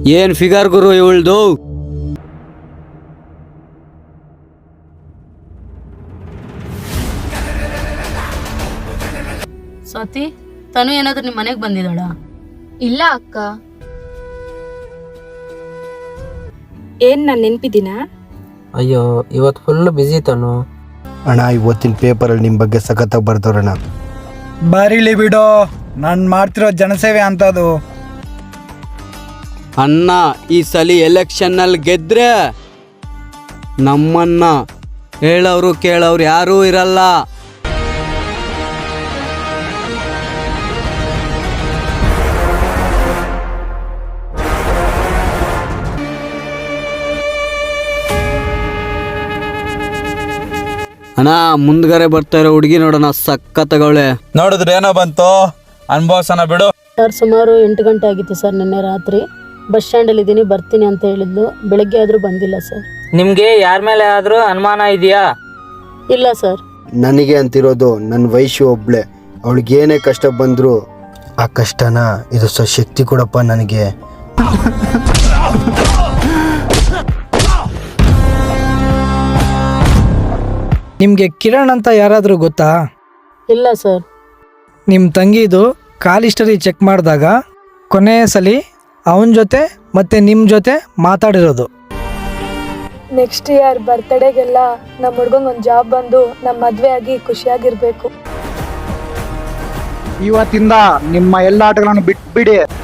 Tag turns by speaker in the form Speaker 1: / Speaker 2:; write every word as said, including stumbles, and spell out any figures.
Speaker 1: ಏನ್ ಫಿಗರ್ ಗುರು ಇವಳ್ದು.
Speaker 2: ಸ್ವಾತಿ, ತನು ಏನಾದ್ರೂ ನಿಮ್ ಮನೆಗ್ ಬಂದಿದ್ದಾಳ?
Speaker 3: ಇಲ್ಲ ಅಕ್ಕ. ಏನ್ ನಾನ್ ನೆನ್ಪಿದ್ದೀನ?
Speaker 4: ಅಯ್ಯೋ ಇವತ್ತು ಫುಲ್ ಬಿಸಿ ತನು.
Speaker 5: ಅಣ್ಣ ಇವತ್ತಿನ ಪೇಪರಲ್ಲಿ ನಿಮ್ಮ ಬಗ್ಗೆ ಸಖತ್ತಾಗಿ ಬರ್ದವ್ರಣ್ಣ.
Speaker 6: ಬರೀಲಿ ಬಿಡೋ, ನಾನು ಮಾಡ್ತಿರೋ ಜನಸೇವೆ ಅಂತದು.
Speaker 1: ಅಣ್ಣ ಈ ಸಲ ಎಲೆಕ್ಷನ್ ನಲ್ಲಿ ಗೆದ್ರೆ ನಮ್ಮನ್ನ ಹೇಳೋರು ಕೇಳೋರು ಯಾರೂ ಇರಲ್ಲ. ಅಣ್ಣ ಮುಂದ್ಗಡೆ ಬರ್ತಾ ಇರೋ ಹುಡುಗಿ ನೋಡೋಣ, ಸಕ್ಕತ್ತಗವಳೆ.
Speaker 6: ನೋಡಿದ್ರೆ ಏನೋ ಬಂತು, ಅನ್ಭವ್ಸನ ಬಿಡು.
Speaker 2: ಸರ್ ಸುಮಾರು ಎಂಟು ಗಂಟೆ ಆಗಿತ್ತು ಸರ್ ನಿನ್ನೆ ರಾತ್ರಿ. ಬಸ್ ಸ್ಟ್ಯಾಂಡಲ್ಲಿ ಇದ್ದೀನಿ, ಬರ್ತೀನಿ ಅಂತ ಹೇಳಿದ್ಲು. ಬೆಳಗ್ಗೆ ಆದರೂ ಬಂದಿಲ್ಲ ಸರ್.
Speaker 4: ನಿಮ್ಗೆ ಯಾರ ಮೇಲೆ ಆದ್ರೂ ಅನುಮಾನ ಇದೆಯಾ?
Speaker 2: ಇಲ್ಲ ಸರ್.
Speaker 5: ನನಗೆ ಅಂತಿರೋದು ನನ್ನ ವಯಸ್ಸು ಒಬ್ಳೆ. ಅವಳಿಗೆ ಏನೇ ಕಷ್ಟ ಬಂದ್ರು ಆ ಕಷ್ಟನ ಇದು ಸ ಶಕ್ತಿ ಕೊಡಪ್ಪ ನನಗೆ.
Speaker 7: ನಿಮಗೆ ಕಿರಣ್ ಅಂತ ಯಾರಾದರೂ ಗೊತ್ತಾ?
Speaker 2: ಇಲ್ಲ ಸರ್.
Speaker 7: ನಿಮ್ಮ ತಂಗಿದು ಕಾಲ್ ಹಿಸ್ಟರಿ ಚೆಕ್ ಮಾಡಿದಾಗ ಕೊನೆಯ ಸಲ ಅವನ ಜೊತೆ ಮತ್ತೆ ನಿಮ್ಮ ಜೊತೆ ಮಾತಾಡಿರೋದು.
Speaker 8: ನೆಕ್ಸ್ಟ್ ಇಯರ್ ಬರ್ತಡೇಗೆಲ್ಲ ನಮ್ಮ ಹುಡ್ಗಂಗೆ ಒಂದು ಜಾಬ್ ಬಂದು ನಮ್ಮ ಮದುವೆ ಆಗಿ ಖುಷಿಯಾಗಿರ್ಬೇಕು.
Speaker 6: ಇವತ್ತಿಂದ ನಿಮ್ಮ ಎಲ್ಲ ಆಟಗಳನ್ನು ಬಿಟ್ಬಿಡಿ.